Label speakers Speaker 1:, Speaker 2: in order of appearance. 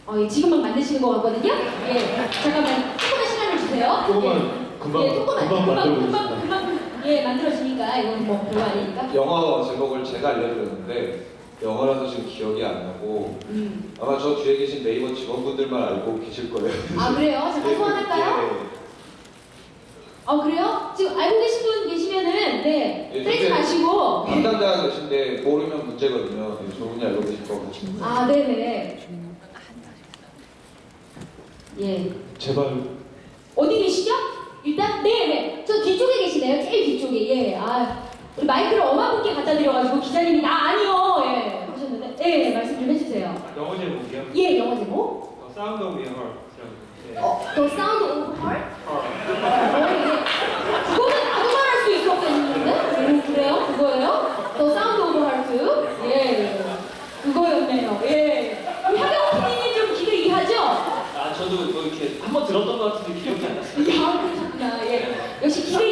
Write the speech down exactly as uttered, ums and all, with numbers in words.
Speaker 1: 어, 예, 지금 막 만드시는 것 같거든요. 예, 잠깐만 조금만 시간을 주세요.
Speaker 2: 조금만
Speaker 1: 예.
Speaker 2: 금방
Speaker 1: 예, 조금만
Speaker 2: 금방
Speaker 1: 금방
Speaker 2: 만들어
Speaker 1: 금방
Speaker 2: 보겠습니다.
Speaker 1: 금방 예 만들어지니까 이건 뭐 별거 아니니까.
Speaker 3: 영어 제목을 제가 알려드렸는데 영어라서 지금 기억이 안 나고
Speaker 1: 음.
Speaker 3: 아마 저 뒤에 계신 네이버 직원분들만 알고 계실 거예요.
Speaker 1: 아 그래요? 잠깐 소환할까요?
Speaker 3: 예.
Speaker 1: 어 그래요? 지금 알고 계신 분 계시면은 네
Speaker 3: 예,
Speaker 1: 떼지
Speaker 3: 근데
Speaker 1: 마시고.
Speaker 3: 담당자가 계신데 모르면 문제거든요. 예, 저분이 알고 계실 거고.
Speaker 1: 아 네네. 예.
Speaker 2: 제발
Speaker 1: 어디 계시죠? 일단 네네 저 뒤쪽에 계시네요. 제일 뒤쪽에. 예. 아 우리 마이크를 어마분께 갖다 드려가지고 기자님이 나 아니요 예 하셨는데 예 말씀 좀 해주세요.
Speaker 2: 영어 제목이요?
Speaker 1: 예 영어 제목.
Speaker 2: 어, 사운드 오브 영어. 네.
Speaker 1: 어 The Sound of Heart. 어, 예. 그거는 나도 말할 수 있었겠는데? 음, 그래요? 그거예요? The Sound of Heart. 예. 그거였네요. 예. 우리 하경 피디님 좀 길을 이해하죠?
Speaker 4: 아 저도 뭐 이렇게 한번 들었던 것 같은데 기억이 안 났어요.
Speaker 1: 야, 그러셨구나. 예. 역시 기대